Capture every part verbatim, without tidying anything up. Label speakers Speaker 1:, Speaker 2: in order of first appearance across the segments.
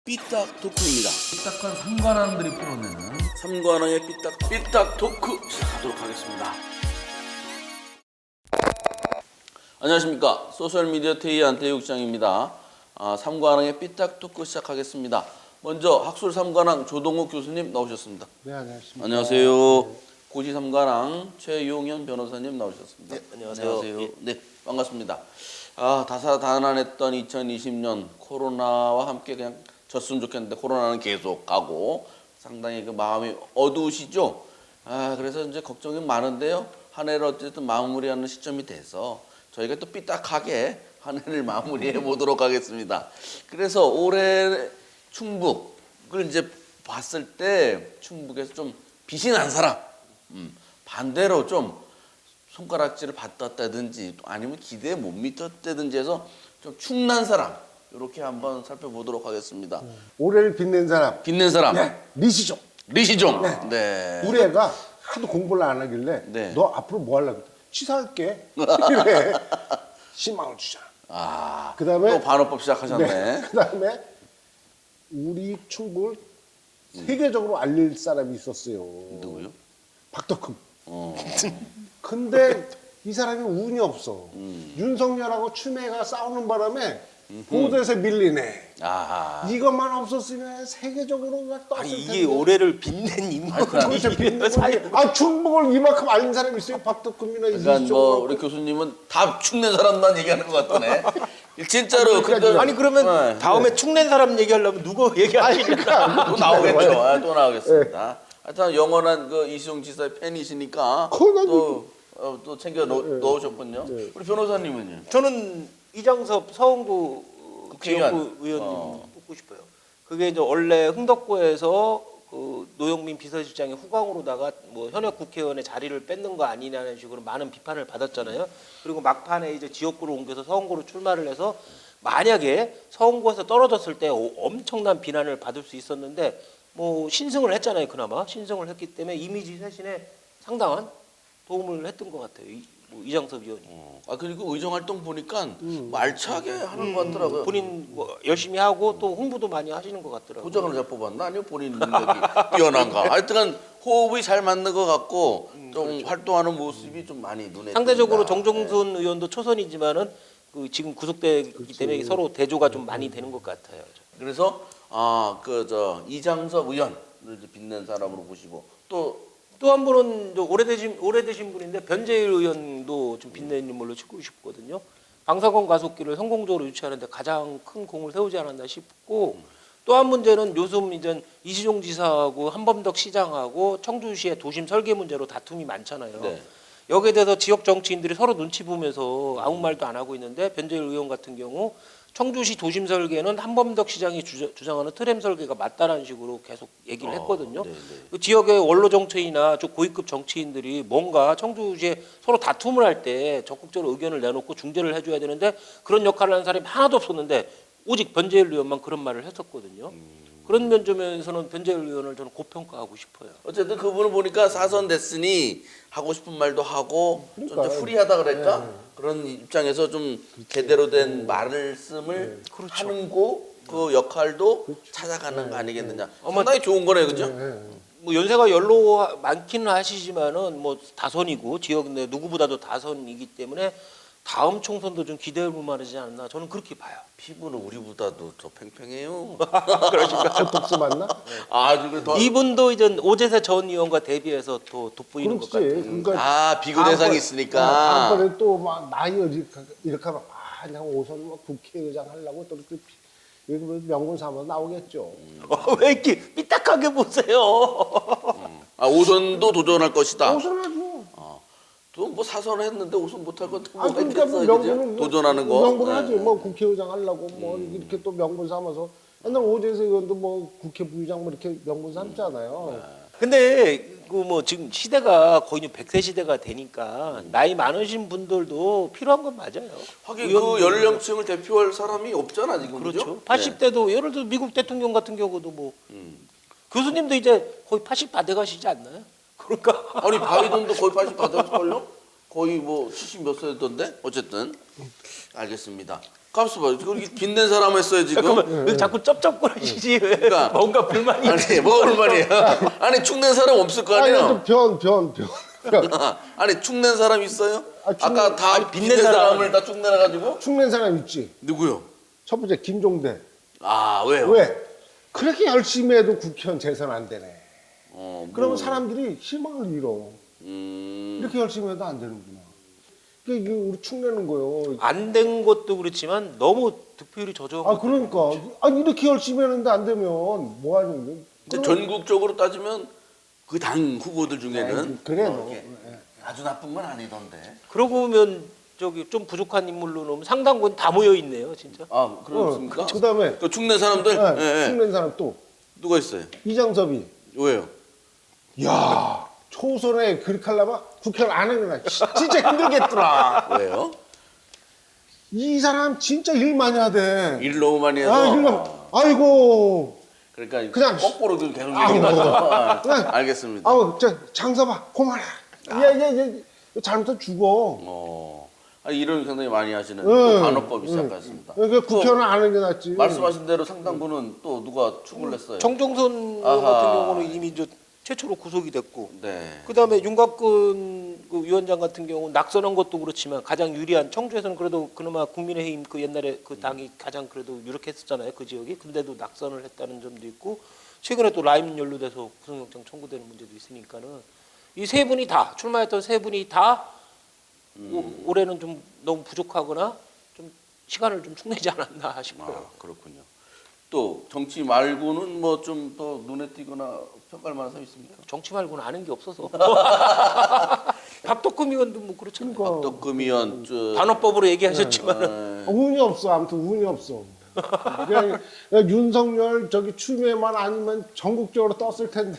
Speaker 1: 삐딱 토크입니다.
Speaker 2: 삐딱한 삼관왕들이 풀어내는
Speaker 1: 삼관왕의 삐딱 삐딱 토크 시작하도록 하겠습니다. 안녕하십니까. 소셜미디어 테이 안태육장입니다. 아, 삼관왕의 삐딱 토크 시작하겠습니다. 먼저 학술 삼관왕 조동욱 교수님 나오셨습니다.
Speaker 3: 네, 안녕하십니까.
Speaker 1: 안녕하세요.
Speaker 3: 네.
Speaker 1: 고시 삼관왕 최용현 변호사님 나오셨습니다.
Speaker 4: 네, 안녕하세요. 예.
Speaker 1: 네, 반갑습니다. 아, 다사다난했던 이천이십 년 코로나와 함께 그냥 졌으면 좋겠는데 코로나는 계속 가고 상당히 그 마음이 어두우시죠? 아, 그래서 이제 걱정이 많은데요. 한 해를 어쨌든 마무리하는 시점이 돼서 저희가 또 삐딱하게 한 해를 마무리해 보도록 하겠습니다. 그래서 올해 충북을 이제 봤을 때 충북에서 좀 빛이 난 사람, 음, 반대로 좀 손가락질을 받았다든지 아니면 기대에 못 미쳤다든지 해서 좀 충난 사람 이렇게 한번 살펴보도록 하겠습니다.
Speaker 3: 올해를 빛낸 사람.
Speaker 1: 빛낸 사람
Speaker 3: 네, 리시종.
Speaker 1: 리시종.
Speaker 3: 네.
Speaker 1: 네.
Speaker 3: 우리 애가 하도 공부를 안 하길래
Speaker 1: 네.
Speaker 3: 너 앞으로 뭐 하려고? 취사할게. 이래. 십만 원 주잖아.
Speaker 1: 아,
Speaker 3: 그다음에
Speaker 1: 또 반어법 시작하셨네.
Speaker 3: 네. 그다음에 우리 충북을 세계적으로 알릴 사람이 있었어요.
Speaker 1: 누구요?
Speaker 3: 박덕흠.
Speaker 1: 어.
Speaker 3: 근데 이 사람이 운이 없어.
Speaker 1: 음.
Speaker 3: 윤석열하고 추미애가 싸우는 바람에 보도에서 밀리네.
Speaker 1: 아하.
Speaker 3: 이것만 없었으면 세계적으로 막 떴을
Speaker 4: 아니
Speaker 3: 텐데.
Speaker 4: 이게 올해를 빛낸 인물이
Speaker 3: 그렇죠. 빛내는 거지. 아, 충북을 이만큼 알린 사람이 있어요. 박덕흠이나
Speaker 1: 그러니까
Speaker 3: 이시종.
Speaker 1: 뭐 우리 교수님은 다 축낸 사람만 얘기하는 것 같더네. 진짜로 근데
Speaker 4: 아니 그러면
Speaker 1: 네.
Speaker 4: 다음에 축낸 사람 얘기하려면 누구 얘기하시니까
Speaker 1: 또 나오겠죠. 아, 또 나오겠습니다. 하여튼 영원한 그 이시종 지사의 팬이시니까
Speaker 3: 그건
Speaker 1: 또, 어, 또 챙겨 넣, 넣으셨군요.
Speaker 3: 네.
Speaker 1: 우리 변호사님은요?
Speaker 4: 저는 이장섭 서원구
Speaker 1: 국회의원.
Speaker 4: 지역구 의원님
Speaker 1: 어.
Speaker 4: 뽑고 싶어요. 그게 이제 원래 흥덕구에서 그 노영민 비서실장의 후광으로다가 뭐 현역 국회의원의 자리를 뺏는 거 아니냐는 식으로 많은 비판을 받았잖아요. 그리고 막판에 이제 지역구로 옮겨서 서원구로 출마를 해서 만약에 서원구에서 떨어졌을 때 엄청난 비난을 받을 수 있었는데 뭐 신승을 했잖아요. 그나마 신승을 했기 때문에 이미지 쇄신에 상당한 도움을 했던 것 같아요. 이, 뭐 이장섭 의원이.
Speaker 1: 어. 아 그리고 의정 활동 보니까 뭐 알차게 하는 것 같더라고요.
Speaker 4: 본인 뭐 열심히 하고 또 홍보도 많이 하시는 것 같더라고요.
Speaker 1: 도장을 잘 뽑았나? 아니면 본인 능력이 뛰어난가? 하여튼간 호흡이 잘 맞는 것 같고 좀
Speaker 4: 그렇죠.
Speaker 1: 활동하는 모습이 좀 많이 눈에
Speaker 4: 상대적으로
Speaker 1: 띕니다.
Speaker 4: 정종순 의원도 초선이지만은 그 지금 구속되기 때문에 서로 대조가 좀 많이 되는 것 같아요.
Speaker 1: 그래서 아 그 저 이장섭 의원을 이제 빛낸 사람으로 보시고 또
Speaker 4: 또 한 분은 저 오래되신 오래되신 분인데 변재일 의원도 좀 빛내는 인물로 찍고 싶거든요. 방사선 가속기를 성공적으로 유치하는데 가장 큰 공을 세우지 않았나 싶고 또 한 문제는 요즘 이제 이시종 지사하고 한범덕 시장하고 청주시의 도심 설계 문제로 다툼이 많잖아요.
Speaker 1: 네.
Speaker 4: 여기에 대해서 지역 정치인들이 서로 눈치 보면서 아무 말도 안 하고 있는데 변재일 의원 같은 경우 청주시 도심 설계는 한범덕 시장이 주저, 주장하는 트램 설계가 맞다라는 식으로 계속 얘기를 했거든요.
Speaker 1: 어, 네네.
Speaker 4: 그 지역의 원로 정치인이나 좀 고위급 정치인들이 뭔가 청주시에 서로 다툼을 할 때 적극적으로 의견을 내놓고 중재를 해줘야 되는데 그런 역할을 하는 사람이 하나도 없었는데 오직 변재일 의원만 그런 말을 했었거든요. 그런 면점에서는 변재일 의원을 저는 고평가하고 싶어요.
Speaker 1: 어쨌든 그분을 보니까 사선 됐으니 하고 싶은 말도 하고 좀
Speaker 3: 그러니까요.
Speaker 1: 이제 프리하다 그럴까?
Speaker 3: 네.
Speaker 1: 그런 입장에서 좀 제대로 된 말씀을 하는 거 그 역할도 찾아가는 거 아니겠느냐. 상당히 좋은 거네, 그죠?
Speaker 4: 뭐 연세가 연로 많기는 하시지만은 뭐 다선이고 지역 내 누구보다도 다선이기 때문에 다음 총선도 좀 기대해볼 만하지 않나 저는 그렇게 봐요.
Speaker 1: 피부는 우리보다도 더 팽팽해요.
Speaker 3: 보톡스 맞나?
Speaker 1: 아주 그 더.
Speaker 4: 이분도 이제 오재세 전 의원과 대비해서 더 돋보이는 것
Speaker 3: 그렇지.
Speaker 4: 같아요.
Speaker 3: 그러니까
Speaker 1: 아 비교 대상이
Speaker 3: 다음번에-
Speaker 1: 있으니까.
Speaker 3: 어, 다음번에 또 막 나이 이렇게, 이렇게 하면 아, 그냥 오선 막 국회의장 하려고 또 이렇게 여기 뭐 명분 삼아 나오겠죠.
Speaker 4: 어, 왜 이렇게 삐딱하게 보세요?
Speaker 1: 아 오선도 도전할 것이다.
Speaker 3: 오선하죠.
Speaker 1: 또 뭐 사선을 했는데 오선 못할 것도
Speaker 3: 아,
Speaker 1: 뭐가
Speaker 3: 그러니까 뭐
Speaker 1: 있겠어요,
Speaker 3: 명분은
Speaker 1: 그죠? 도전하는 거.
Speaker 3: 명분
Speaker 1: 네.
Speaker 3: 하지. 뭐 국회의장 하려고 뭐 이렇게 또 명분 삼아서 옛날 오재세 의원도 뭐 국회 부의장 뭐 이렇게 명분 삼잖아요.
Speaker 4: 근데 그 뭐 지금 시대가 거의 백 세 시대가 되니까 나이 많으신 분들도 필요한 건 맞아요.
Speaker 1: 하긴
Speaker 4: 의원님들.
Speaker 1: 그 연령층을 대표할 사람이 없잖아 지금.
Speaker 4: 그렇죠.
Speaker 1: 그죠?
Speaker 4: 팔십 대도 예를 들어 미국 대통령 같은 경우도 뭐
Speaker 1: 음.
Speaker 4: 교수님도 이제 거의 팔십 다 돼가시지 않나요? 그러니까
Speaker 1: 아니 바이든도 거의 팔십 받았을걸요? 거의 뭐 칠십 몇 세던데? 어쨌든 알겠습니다. 값을 봐. 그렇게 빛낸 사람 했어요 지금.
Speaker 4: 잠깐만 왜 자꾸 쩝쩝거리시지? 왜
Speaker 1: 그러니까.
Speaker 4: 뭔가 불만이
Speaker 1: 아니 뭐가 얼마냐? 아니 축낸 사람 없을 거
Speaker 3: 아니
Speaker 1: 아니에요.
Speaker 3: 변, 변, 변.
Speaker 1: 아니 축낸 사람 있어요?
Speaker 3: 아, 축-
Speaker 1: 아까 다
Speaker 4: 아니,
Speaker 1: 빛낸
Speaker 4: 빛낸
Speaker 1: 사람을 다 축내가지고
Speaker 3: 축낸 사람 있지.
Speaker 1: 누구요?
Speaker 3: 첫 번째 김종대.
Speaker 1: 아 왜요?
Speaker 3: 왜? 그렇게 열심히 해도 국회의원 재선 안 되네.
Speaker 1: 어, 뭐,
Speaker 3: 그러면 사람들이 희망을 잃어.
Speaker 1: 음,
Speaker 3: 이렇게 열심히 해도 안 되는구나. 그러니까 이게 우리 축내는 거예요.
Speaker 4: 안 된 것도 그렇지만 너무 득표율이 저조한
Speaker 3: 아
Speaker 4: 것도
Speaker 3: 그러니까 아니 이렇게 열심히 했는데 안 되면 뭐 하는 거야?
Speaker 1: 이제 전국적으로 따지면 그 당 후보들 중에는
Speaker 3: 아이, 그래도.
Speaker 1: 뭐 이렇게 아주 나쁜 건 아니던데.
Speaker 4: 그러고 보면 저기 좀 부족한 인물로 놓으면 상당분 다 모여 있네요, 진짜.
Speaker 1: 아 그렇습니까?
Speaker 3: 어, 그다음에
Speaker 1: 그 축낸 사람들
Speaker 3: 네,
Speaker 1: 예, 예.
Speaker 3: 축낸 사람 또
Speaker 1: 누가 있어요?
Speaker 3: 이장섭이.
Speaker 1: 왜요?
Speaker 3: 야 초선에 그렇게 하려면 국회를 안 하구나. 진짜 힘들겠더라.
Speaker 1: 왜요?
Speaker 3: 이 사람 진짜 일 많이 하대.
Speaker 1: 일 너무 많이 해서.
Speaker 3: 아, 일 많이. 아이고.
Speaker 1: 그러니까
Speaker 3: 그냥
Speaker 1: 거꾸로 좀 계속
Speaker 3: 아우.
Speaker 1: 얘기하죠. 아,
Speaker 3: 그냥
Speaker 1: 알겠습니다.
Speaker 3: 아우 저 장섭아 고마라. 얘얘얘 잘못하면 죽어.
Speaker 1: 어, 아, 일을 굉장히 많이 하시는
Speaker 3: 응,
Speaker 1: 또 반어법이
Speaker 3: 응.
Speaker 1: 시작했습니다.
Speaker 3: 그러니까 국회의원 안 하는 게 낫지.
Speaker 1: 말씀하신 대로 상당부는 또 누가 축을 냈어요.
Speaker 4: 정종선 의원
Speaker 1: 아하.
Speaker 4: 같은 경우는 이미 이제 최초로 구속이 됐고,
Speaker 1: 네.
Speaker 4: 그다음에 윤곽근 그 위원장 같은 경우는 낙선한 것도 그렇지만 가장 유리한 청주에서는 그래도 그나마 국민의힘 그 옛날에 그 당이 가장 그래도 유력했었잖아요, 그 지역이. 근데도 낙선을 했다는 점도 있고, 최근에 또 라임 연루돼서 구속영장 청구되는 문제도 있으니까는 이 세 분이 다 출마했던 세 분이 다 오- 올해는 좀 너무 부족하거나 좀 시간을 좀 축내지 않았나 싶어요.
Speaker 1: 아, 그렇군요. 또 정치 말고는 뭐 좀 더 눈에 띄거나 평가할 만한 사람 있습니까?
Speaker 4: 정치 말고는 아는 게 없어서. 박덕금 의원도 뭐 그렇잖아요.
Speaker 3: 그러니까.
Speaker 1: 박덕금 의원, 저,
Speaker 4: 단어법으로 얘기하셨지만
Speaker 1: 어,
Speaker 3: 운이 없어. 아무튼 운이 없어. 그냥, 그냥 윤석열 저기 추미애만 아니면 전국적으로 떴을 텐데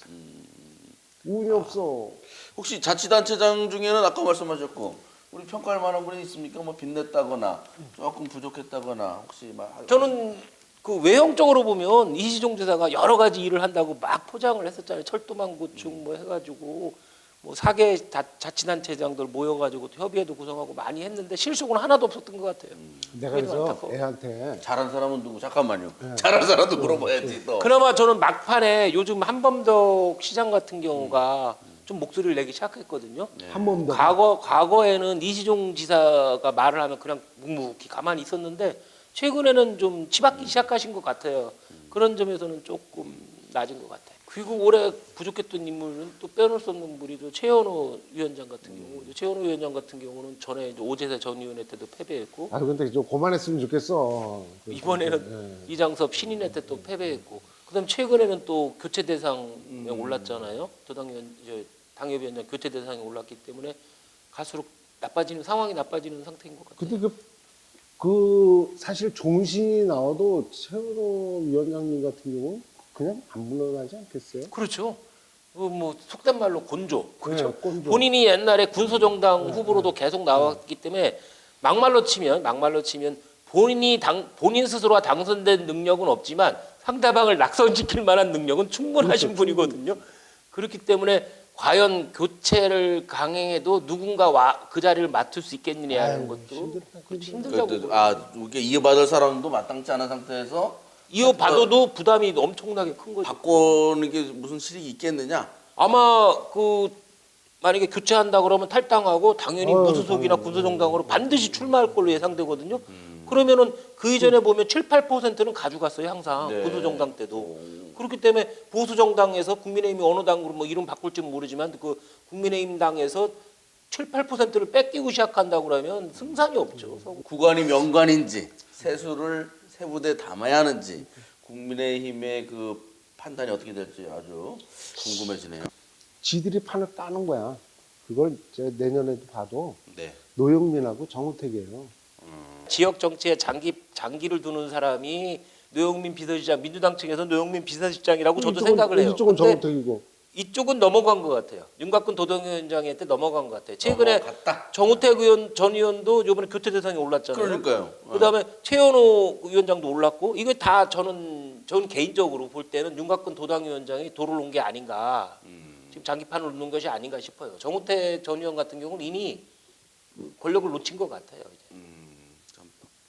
Speaker 3: 운이 없어.
Speaker 1: 혹시 자치단체장 중에는 아까 말씀하셨고 우리 평가할 만한 분이 있습니까? 뭐 빚냈다거나 조금 부족했다거나 혹시 막
Speaker 4: 저는 그 외형적으로 보면 이시종 지사가 여러 가지 일을 한다고 막 포장을 했었잖아요. 철도망 구축 뭐 해가지고 뭐 사개 자치단체장들 모여가지고 협의회도 구성하고 많이 했는데 실속은 하나도 없었던 것 같아요.
Speaker 3: 내가
Speaker 4: 그게
Speaker 3: 그래서
Speaker 4: 많다고.
Speaker 3: 애한테
Speaker 1: 잘한 사람은 누구? 잠깐만요. 잘한 사람도 물어봐야지 또.
Speaker 4: 그나마 저는 막판에 요즘 한범덕 시장 같은 경우가 좀 목소리를 내기 시작했거든요.
Speaker 3: 한 번 더.
Speaker 4: 과거 과거에는 이시종 지사가 말을 하면 그냥 묵묵히 가만히 있었는데 최근에는 좀 치받기 시작하신 것 같아요. 그런 점에서는 조금 낮은 것 같아요. 그리고 올해 부족했던 인물은 또 빼놓을 수 없는 분이죠. 최현호 위원장 같은 경우. 최현호 위원장 같은 경우는 전에 이제 오재세 전 의원회 때도 패배했고
Speaker 3: 아 근데 좀 그만했으면 좋겠어.
Speaker 4: 이번에는 이장섭 신인회 때 또 패배했고 그다음 최근에는 또 교체 대상에 올랐잖아요. 도당위원 이제 당협위원장 교체 대상에 올랐기 때문에 갈수록 나빠지는 상황이 나빠지는 상태인 것 같아요.
Speaker 3: 근데 그, 그 사실 종신이 나와도 최현호 위원장님 같은 경우 그냥 안 물러나지 않겠어요?
Speaker 4: 그렇죠. 그 뭐 속된 말로 곤조. 그렇죠.
Speaker 3: 네, 꼰조.
Speaker 4: 본인이 옛날에 군소정당 후보로도 계속 나왔기 때문에 막말로 치면 막말로 치면 본인이 당 본인 스스로가 당선된 능력은 없지만 상대방을 낙선시킬 만한 능력은 충분하신
Speaker 3: 그렇죠.
Speaker 4: 분이거든요. 그렇기 때문에 과연 교체를 강행해도 누군가 와, 그 자리를 맡을 수 있겠느냐는
Speaker 3: 아유,
Speaker 4: 것도
Speaker 3: 힘들다,
Speaker 4: 그렇죠.
Speaker 3: 힘들다.
Speaker 4: 힘들다고.
Speaker 1: 그, 아 이게 이어받을 사람도 마땅치 않은 상태에서
Speaker 4: 이어받아도 부담이 엄청나게 큰 거죠.
Speaker 1: 바꾸는 게 무슨 실익이 있겠느냐?
Speaker 4: 아마 그 만약에 교체한다 그러면 탈당하고 당연히
Speaker 3: 아유,
Speaker 4: 무소속이나
Speaker 3: 당연히.
Speaker 4: 군소정당으로 반드시 출마할 걸로 예상되거든요. 그러면은 그 이전에 보면 칠, 팔 퍼센트는 가져갔어요 항상
Speaker 1: 네.
Speaker 4: 군소정당 때도. 그렇기 때문에 보수정당에서 국민의힘이 어느 당으로 뭐 이름 바꿀지는 모르지만 그 국민의힘 당에서 칠, 팔 퍼센트를 뺏기고 시작한다고 그러면 승산이 없죠.
Speaker 1: 구간이 명관인지 세수를 세부대에 담아야 하는지 국민의힘의 그 판단이 어떻게 될지 아주 궁금해지네요.
Speaker 3: 지들이 판을 따는 거야. 그걸 이제 내년에도 봐도
Speaker 1: 네.
Speaker 3: 노영민하고 정우택이에요.
Speaker 4: 지역 정치에 장기 장기를 두는 사람이 노영민 비서실장, 민주당 측에서 노영민 비서실장이라고 저도
Speaker 3: 이쪽은,
Speaker 4: 생각을 해요.
Speaker 3: 이쪽은
Speaker 4: 근데
Speaker 3: 정우택이고.
Speaker 4: 이쪽은 넘어간 것 같아요. 윤곽근 도당위원장한테 넘어간 것 같아요. 최근에
Speaker 1: 넘어갔다.
Speaker 4: 정우택 의원 전 의원도 이번에 교체 대상에 올랐잖아요.
Speaker 1: 그러니까요.
Speaker 4: 그다음에 최현호 위원장도 올랐고 이게 다 저는 저는 개인적으로 볼 때는 윤곽근 도당위원장이 도를 놓은 게 아닌가. 지금 장기판을 놓는 것이 아닌가 싶어요. 정우택 전 의원 같은 경우는 이미 권력을 놓친 것 같아요. 이제.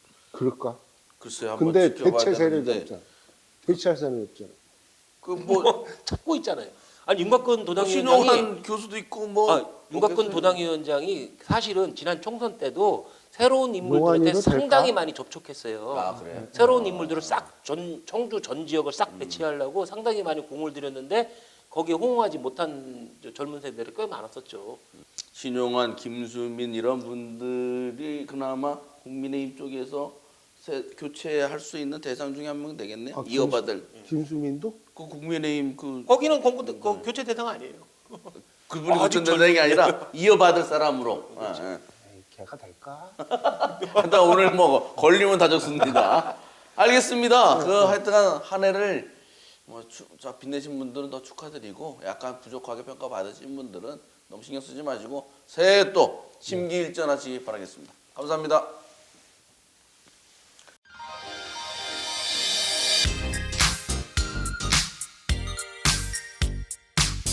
Speaker 3: 그럴까?
Speaker 1: 글쎄요, 한번
Speaker 3: 근데
Speaker 1: 지켜봐야
Speaker 3: 대체 세력이
Speaker 1: 되는데
Speaker 3: 없잖아. 대체할 세력이 없잖아.
Speaker 1: 그뭐
Speaker 4: 찾고 있잖아요. 아니 윤곽근 도당위원장이
Speaker 1: 신용한 교수도 있고 뭐
Speaker 4: 아, 윤곽근
Speaker 1: 없겠어요.
Speaker 4: 도당위원장이 사실은 지난 총선 때도 새로운 인물들한테
Speaker 3: 노안이도
Speaker 4: 상당히
Speaker 3: 될까?
Speaker 4: 많이 접촉했어요.
Speaker 1: 아 그래.
Speaker 4: 새로운 인물들을 싹 전 청주 전 지역을 싹 배치하려고 상당히 많이 공을 들였는데 거기에 호응하지 못한 저 젊은 세대들이 꽤 많았었죠.
Speaker 1: 신용한, 김수민 이런 분들이 그나마 국민의힘 쪽에서 새, 교체할 수 있는 대상 중에 한 명 되겠네요.
Speaker 3: 아,
Speaker 1: 이어받을
Speaker 3: 김수민도?
Speaker 1: 그 국민의힘 그
Speaker 4: 거기는 공부 그 교체 대상 아니에요.
Speaker 1: 그분이
Speaker 4: 아직
Speaker 1: 교체 대상이 아니라 이어받을 사람으로. 예, 예.
Speaker 3: 에이, 걔가 될까?
Speaker 1: 하여튼 오늘 뭐 걸리면 다 좋습니다. 알겠습니다. 그 하여튼 한 해를 뭐 추, 자, 빛내신 분들은 더 축하드리고 약간 부족하게 평가 받으신 분들은 너무 신경 쓰지 마시고 새해 또 심기일전하시기 바라겠습니다. 감사합니다.